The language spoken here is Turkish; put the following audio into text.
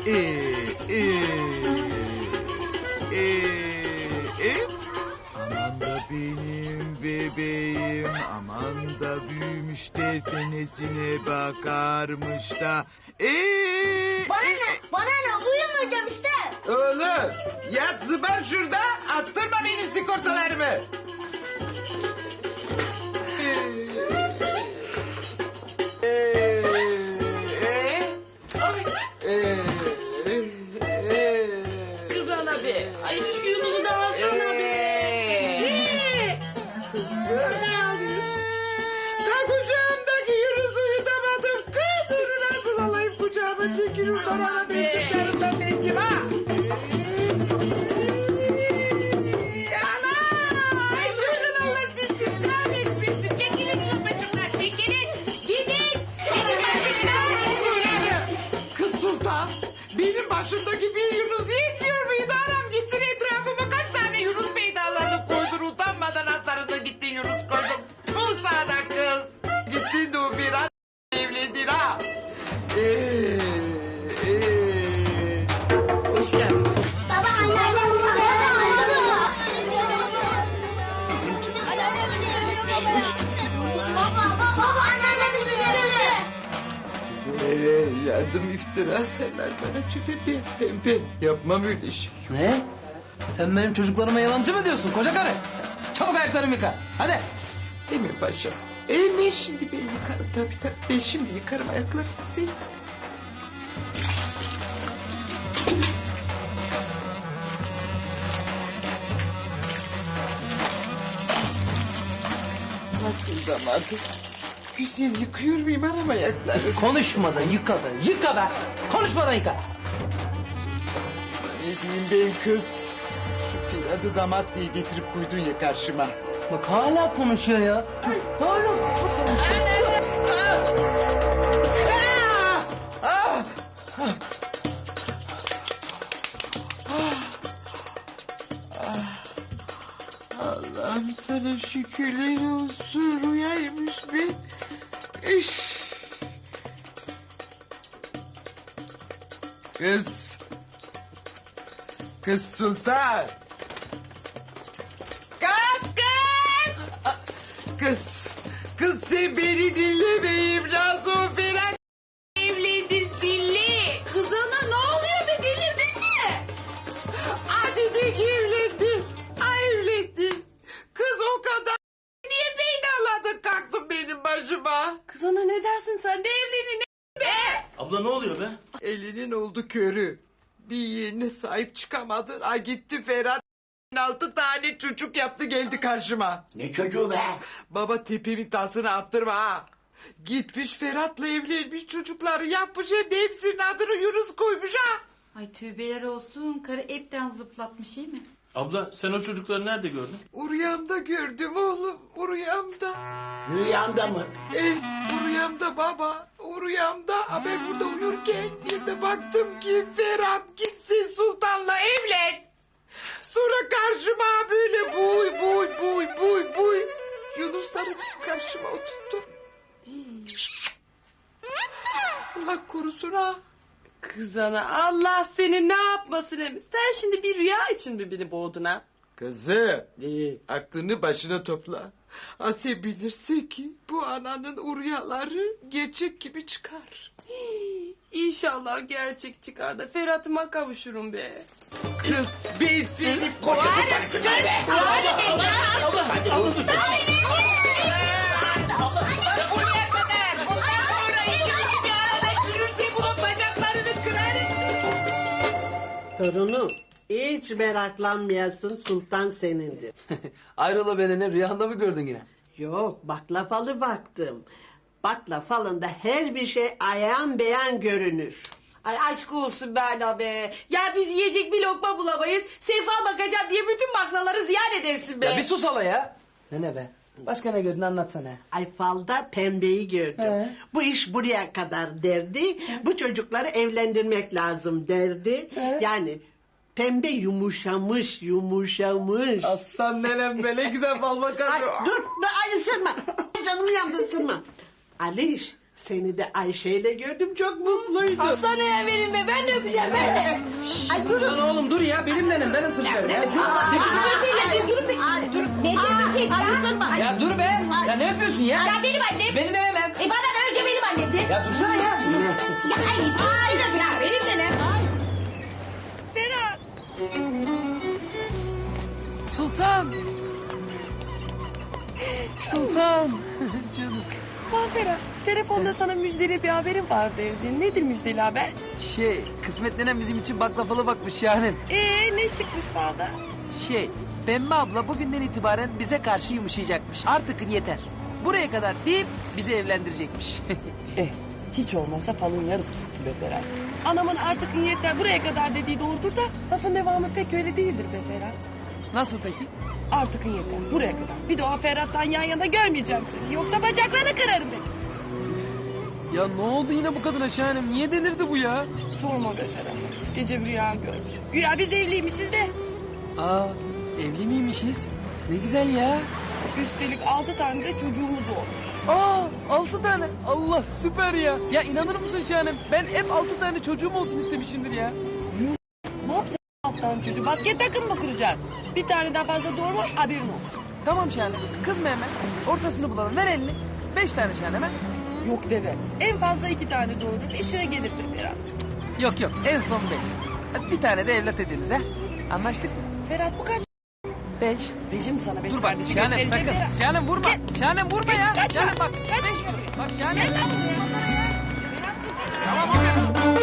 Aman da benim bebeğim, aman da büyümüş de senesine bakarmış da. Bana ne uyumayacağım işte. Oğlum yat zıbar şurada, attırma benim sigortalarımı. Kız ana be. Ay şu Yunus'u da alsana be. Da kucağımdaki Yunus'u yutamadım. Kız onu nasıl alayım kucağıma çekil oradan ana ben kucağımdan bendim ha. Ay durun Allah sizi kahretmesin. Çekilin babacımlar çekilin. Gidin. Senin başımdan Kız Sultan benim başımdaki bir Yunus yetmiyor muydu anam? Gittin etrafıma kaç tane Yunus peydaladık koydun utanmadan atlarında gittin Yunus koydun. Tüm sana kız. Gittin de o bir an evlendin ha. Hoş geldin. Baba anneannem Baba anneannemiz bize dedi. Yardım iftira atarlar bana pembe. Yapmam öyle şey. Ne? Sen benim çocuklarıma yalancı mı diyorsun koca karı? Çabuk ayaklarımı yıka. Hadi. Emin paşa. Emin şimdi ben yıkarım tabii. Ben şimdi yıkarım ayaklarını sen. Nasıl zamandır? Güzel yıkıyor muyum anam ayakları? Konuşmadan yıka da. Yıka be. Konuşmadan yıka. Ne diyeyim ben kız? Şu Firat'ı damat diye getirip koydun ya karşıma. Bak hala konuşuyor ya. Hala konuşuyor. Allah'ım sana şükürler olsun. Rüyaymış be. İş. Kız. Kız Sultan. Kız. Kız sen beni dinlemeyeyim. Nazo Ferhat evlendin dinle. Kız ana ne oluyor be delirdin mi? Hadi de evlendi. Evlendi. Kız o kadar. Niye feydaladın kalksın benim başıma? Kız ana ne dersin sen de evlenin ne be? Abla ne oluyor be? Elinin oldu körü. Bir yeğenine sahip çıkamadın. Ay gitti Ferhat. 6 tane çocuk yaptı geldi karşıma. Ne çocuğu be? Baba tepemin tasını attırma ha. Gitmiş Ferhat'la evlenmiş çocukları yapmış hem de hepsinin adını Yunus koymuş ha. Ay tövbeler olsun. Karı hepten zıplatmış iyi mi? Abla sen o çocukları nerede gördün? Rüyamda gördüm oğlum. Rüyamda. Rüyanda mı? Rüyamda baba. Rüyamda. Ben burada uyurken bir de baktım ki Ferhat gitsin Sultan'la evlen. Sonra karşıma böyle buy. Yunusları karşıma oturttu. Allah korusun ha. Kız ana Allah seni ne yapmasın Emiz. Sen şimdi bir rüya için mi beni boğdun ha? Kızım. Aklını başına topla. Asiye bilirse ki bu ananın rüyaları gerçek gibi çıkar. İnşallah gerçek çıkar da Ferhat'ıma kavuşurum be. Kız ben seni koyarım. Buraya kadar. Bundan sonra ikinci bir arada görürse bunun bacaklarını kırarım. Torunum hiç meraklanmayasın, sultan senindir. Ayrola beni ne rüyanda mı gördün yine? Yok baklavalı baktım. Baklavalı'nda her bir şey ayan beyan görünür. Ay aşk olsun Berna be. Ya biz yiyecek bir lokma bulamayız. Sefa bakacağım diye bütün baklaları ziyan edersin be. Ya bir sus hala ya. Ne be? Başka ne gördün anlatsana. Ay falda pembeyi gördüm. Bu iş buraya kadar derdi. Bu çocukları evlendirmek lazım derdi. Yani pembe yumuşamış. Aslan nenem be ne güzel bal bakar. Ay dur ay ısırma. Canımı yandı ısırma. Aliş Seni de Ayşe'yle gördüm, çok mutluydum. Hastaneye verin be, ben de öpeceğim, ben de. Ay durun. Lan oğlum dur ya benim nenem ben ısıracağım ya. Durun be. Ne diyecek ya? Ya dur be. Ya ne yapıyorsun ya? Ya benim annem. Benim de nenem. Bana da önce benim annemdi. Ya dursana ya. Ya ay işte. Ya benim de ne? Ferhat. Sultan. Sultan. Canım. Lan Ferhat, telefonda sana müjdeli bir haberim var derdi. Nedir müjdeli haber? Kısmet nenem bizim için baklavalı bakmış yani. Ne çıkmış falda? Pembe abla bugünden itibaren bize karşı yumuşayacakmış. Artık yeter. Buraya kadar deyip bizi evlendirecekmiş. Hiç olmazsa falın yarısı tuttu be Ferhat. Anamın artık yeter buraya kadar dediği doğrudur da lafın devamı pek öyle değildir be Ferhat. Nasıl peki? Artık yeter buraya kadar. Bir daha Ferhat'tan yan yana görmeyeceğim seni. Yoksa bacaklarını kırarım ben. Ya ne oldu yine bu kadına Şahanem? Niye delirdi bu ya? Sorma be Ferhat. Gece bir rüya görmüş. Güya biz evliymişiz de. Aa, evli miymişiz? Ne güzel ya. Üstelik 6 tane de çocuğumuz olmuş. Aa, 6 tane. Allah süper ya. Ya inanır mısın Şahanem? Ben hep 6 tane çocuğum olsun istemişimdir ya. Ne yapacaksın alttan çocuğu? Basket takım mı kuracaksın? Bir taneden fazla doğurma haberin olsun. Tamam Şahanem. Kızma hemen. Ortasını bulalım. Ver elini. 5 tane Şahanem. Yok deve. En fazla 2 tane doğurur. İşine gelirse Ferhat. Yok en son 5. Hadi bir tane de evlat ediniz ha. Anlaştık mı? Ferhat bu kaç? 5. Beşim sana 5 Dur bak kardeşi Şahanem göstereceğim sakın. Ferhat. Şahanem vurma. Şahanem vurma ya. Kaçma. Şahanem bak. Kaçma. Bak Şahanem. Gel lan buraya. Ferhat, dur. Tamam.